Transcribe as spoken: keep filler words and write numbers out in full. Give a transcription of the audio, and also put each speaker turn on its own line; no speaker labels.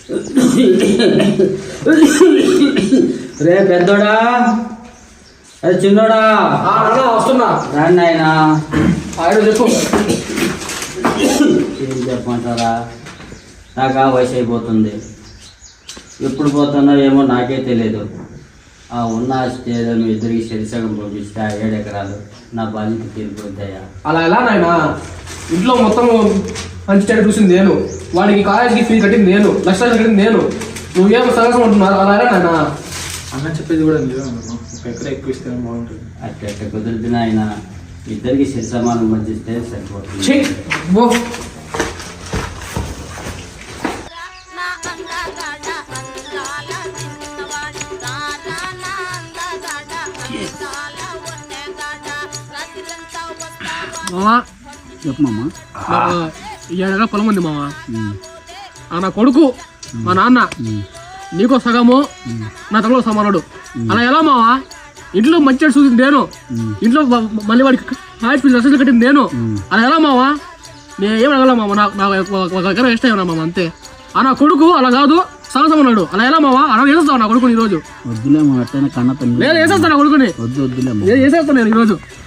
రే పెద్దోడా, అరే చిన్నోడా,
వస్తున్నా
రాండి ఆయన.
ఆయన చెప్పు.
ఏం చెప్పమంటారా, నాకు ఆ వయసు అయిపోతుంది. ఎప్పుడు పోతున్నా ఏమో నాకే తెలియదు. ఆ ఉన్న ఆస్తి ఏదో మీ ఇద్దరికి శరిసగం పంపిస్తే ఆ ఏడు ఎకరాలు నా బాధ్యత తీరిపోతాయా?
అలా ఎలా నాయనా? ఇంట్లో మొత్తం మంచి చెడు చూసింది నేను, వాడికి కాలేజీకి ఫీజు కట్టింది నేను, లక్షలు కట్టింది నేను. నువ్వేమో సగసం ఉంటున్నారు. అలా ఎలా నాయనా?
అన్న చెప్పేది కూడా లేదు. ఒక ఎకరా ఎక్కువ ఇస్తే బాగుంటుంది.
అట్లా ఎట్ట కుదురుతున్నా ఆయన ఇద్దరికి శరి సమానం పంచిస్తే సరిపోతుంది.
మామా
చెప్పమ్మా.
ఏడగా పొలం ఉంది మామా. నా కొడుకు మా నాన్న నీకో సగము, నా తమ్ముడు సమానుడు. అలా ఎలా మావా? ఇంట్లో మంచి చూసింది నేను, ఇంట్లో మళ్ళీ వాడికి హాయిట్ ఫీజు లక్షలు కట్టింది నేను. అలా ఎలా మావా? నేను ఏం అడగల మామ, నాకు ఒక దగ్గర ఇష్టం ఏమన్నా మామ, అంతే. ఆ నా కొడుకు అలా కాదు, సగసం ఉన్నాడు. అలా ఎలా మావా? అలా వేసేస్తావు నా కొడుకుని ఈరోజు?
వద్దులేమో, అట్టనే కన్న
నేను వేసేస్తాను నా కొడుకుని,
వద్దు వద్దులేమో,
వేసేస్తాను నేను ఈరోజు.